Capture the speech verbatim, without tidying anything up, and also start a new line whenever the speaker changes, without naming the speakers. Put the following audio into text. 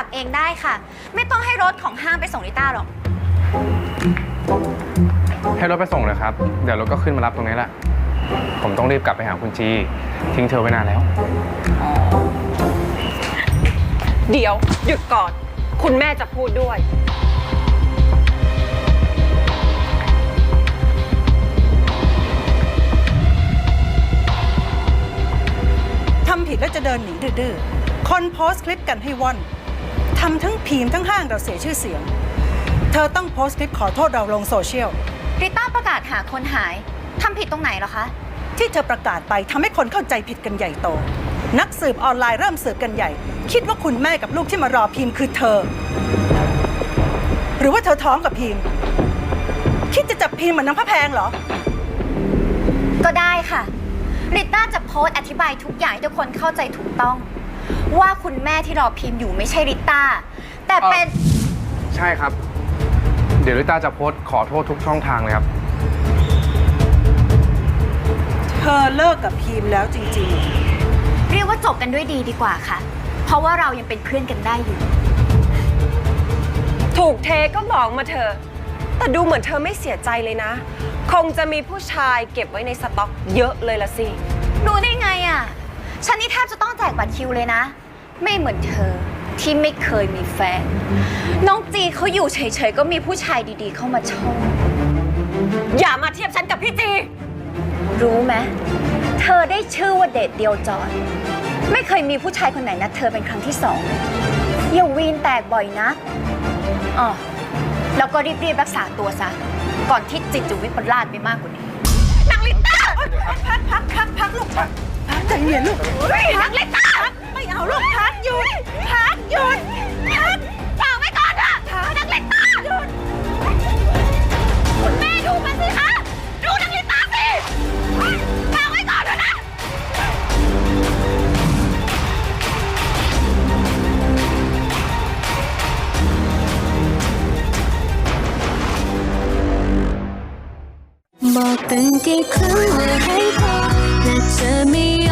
เองได้ค่ะ ไม่ต้องให้รถของห้างไปส่งลิต้าหรอก
ให้รถไปส่งเลยครับ เดี๋ยวรถก็ขึ้นมารับตรงนี้แหละ ผมต้องรีบกลับไปหาคุณจีทิ้งเธอไว้นานแล้ว
เดี๋ยวหยุดก่อน คุณแม่จะพูดด้วย
ทำผิดแล้วจะเดินหนีดื้อๆคนโพสต์คลิปกันให้ว่อนทำทั้งพีมทั้งห้างเราเสียชื่อเสียง เธอต้องโพสต์คลิปขอโทษเราลงโซเชียล
ลิต้าประกาศหาคนหายทำผิดตรงไหนเหรอคะ
ที่เธอประกาศไปทำให้คนเข้าใจผิดกันใหญ่โต นักสืบออนไลน์เริ่มสืบกันใหญ่ คิดว่าคุณแม่กับลูกที่มารอพีมคือเธอ หรือว่าเธอท้องกับพีมคิดจะจับพีมเหมือนน้ำพระแพงเหรอ
ก็ได้ค่ะลิต้าจะโพสต์อธิบายทุกอย่างให้ทุกคนเข้าใจถูกต้อง ว่าคุณแม่ที่รอพิมพ์อยู่ไม่ใช่ลิต้าแต่เป็น
ใช่ครับ เดี๋ยวลิต้าจะโพสต์ขอโทษทุกช่องทางเลยครับ
เธอเลิกกับพีมแล้วจริงๆ
เรียกว่าจบกันด้วยดีดีกว่าค่ะ เพราะว่าเรายังเป็นเพื่อนกันได้อยู่
ถูกเทก็บอกมาเถอะแต่ดูเหมือนเธอไม่เสียใจเลยนะ คงจะมีผู้ชายเก็บไว้ในสต็อกเยอะเลยละสิ
รู้ได้ไงอ่ะ ฉันนี่แทบจะต้องแจกบัตรคิวเลยนะ ไม่เหมือนเธอที่ไม่เคยมีแฟน น้องจีเขาอยู่เฉยๆก็มีผู้ชายดีๆเข้ามาชอบ
อย่ามาเทียบฉันกับพี่จี
รู้ไหมเธอได้ชื่อว่าเดทเดียวจอยไม่เคยมีผู้ชายคนไหนนัดเธอเป็นครั้งที่สองอย่าวีนแตกบ่อยนะอ๋อแล้วก็รีบๆรักษาตัวซะ ก่อนที่จิตจะวิปลาสไปมากกว่านี้นางลิต้าพักพักพักพักลูกพัก
ใจเย็นลูก
นางลิต้าไม่เอาลูกพักหยุดพักหยุดพักฟังไว้ก่อนเถอะนางลิต้าหยุดคุณแม่ดูมันสิคะดูนางลิต้าสิฟังไว้ก่อนเถอะนะ
บอกตั้งกี่ครั้งว่าให้พอแต่เธอไม่ย